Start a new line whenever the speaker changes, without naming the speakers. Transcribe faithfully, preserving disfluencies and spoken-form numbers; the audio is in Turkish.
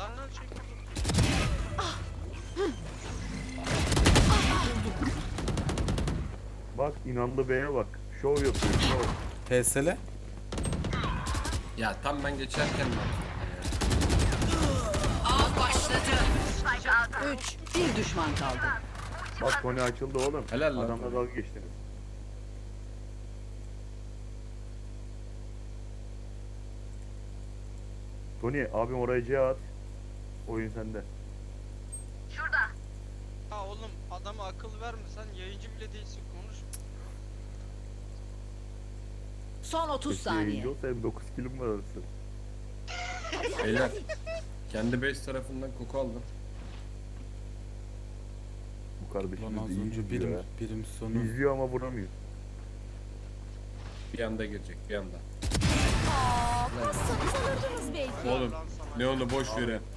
Lan lan çek.
Bak inandı B'ye bak. Şov yapıyor şov.
P S L.
Ya tam ben geçerken mi?
Av başladı. Üç. Bir düşman kaldı.
Bak Tony açıldı oğlum.
Helal lan.
Adamla dalga geçtiniz. Tony abim oraya C at. Oyun sende.
Ha oğlum adama akıl verme sen yayıncı bile değilsin konuş.
Son otuz
Keşke
saniye.
yayıncı olsa hem dokuz kilim var arası.
Beyler. Kendi base tarafından koku aldım.
Bu
Lan
kardeşimiz
az
de iyi
önce
izliyor
birim,
ya.
birim sonu.
İzliyor ama vuramıyor.
Bir anda girecek bir anda.
Aa, kassanız alırdınız belki.
Oğlum
Lan sana.
ne onu boş verin.